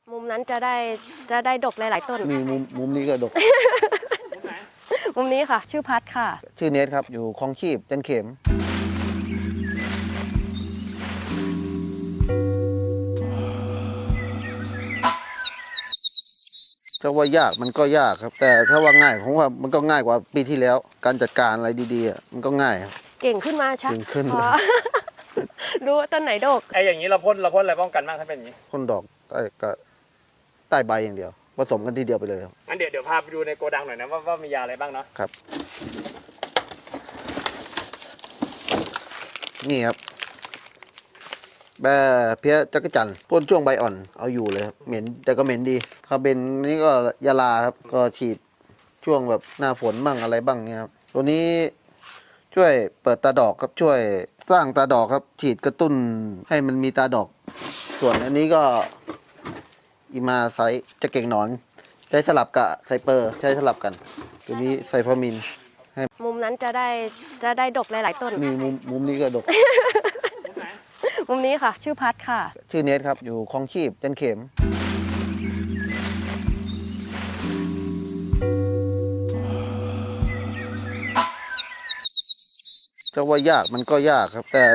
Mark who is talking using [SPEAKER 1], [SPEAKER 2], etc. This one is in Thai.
[SPEAKER 1] มุมนั้นจะได้ดกหลายๆต้น
[SPEAKER 2] มีมุมนี้ก็ดก
[SPEAKER 1] มุมนี้ค่ะ ชื่อพัดค่ะ
[SPEAKER 2] ชื่อเนทครับ อยู่คลองชีพจันเข็มจะว่ายากมันก็ยากครับ แต่ถ้าว่าง่ายผมว่ามันก็ง่ายกว่าปีที่แล้ว การจัดการอะไรดีๆมันก็ง่ายครับ
[SPEAKER 1] เก่งขึ้นมาชัก
[SPEAKER 2] เก่งขึ้น
[SPEAKER 1] พอ รู้ว่าต้นไหนดก
[SPEAKER 3] ไอ้อย่างนี้เราพ่นอะไรป้องกันบ้างถ้าเป็นอย่างนี้
[SPEAKER 2] พ่นดอกก็ใต้ใบอย่างเดียวผสมกันทีเดียวไปเลยครับ
[SPEAKER 3] งั้นเดี๋ยวพาไปดูในโกดังหน่อยนะว่ามียาอะไรบ้างเนาะ
[SPEAKER 2] ครับ นี่ครับแบเพี้ยจักรจันทร์พ่นช่วงใบอ่อนเอาอยู่เลยครับเหม็นแต่ก็เหม็นดีถ้าเป็นนี่ก็ยาลาครับก็ฉีดช่วงแบบหน้าฝนบ้างอะไรบ้างเนี่ยครับตัวนี้ช่วยเปิดตาดอกครับช่วยสร้างตาดอกครับ ฉีดกระตุ้นให้มันมีตาดอก ส่วนอันนี้ก็อีมาไซจะเก่งหนอนใช้สลับกับไซเปอร์ใช้สลับกัน ตัวนี้ไซฟามิน
[SPEAKER 1] มุมนั้นจะได้ดกหลายๆต้น
[SPEAKER 2] มีมุมนี้ก็ดก
[SPEAKER 1] มุมนี้ค่ะ ชื่อพัดค่ะ
[SPEAKER 2] ชื่อเนทครับ อยู่คลองชีพจันเข็มจะว่ายากมันก็ยากครับแต่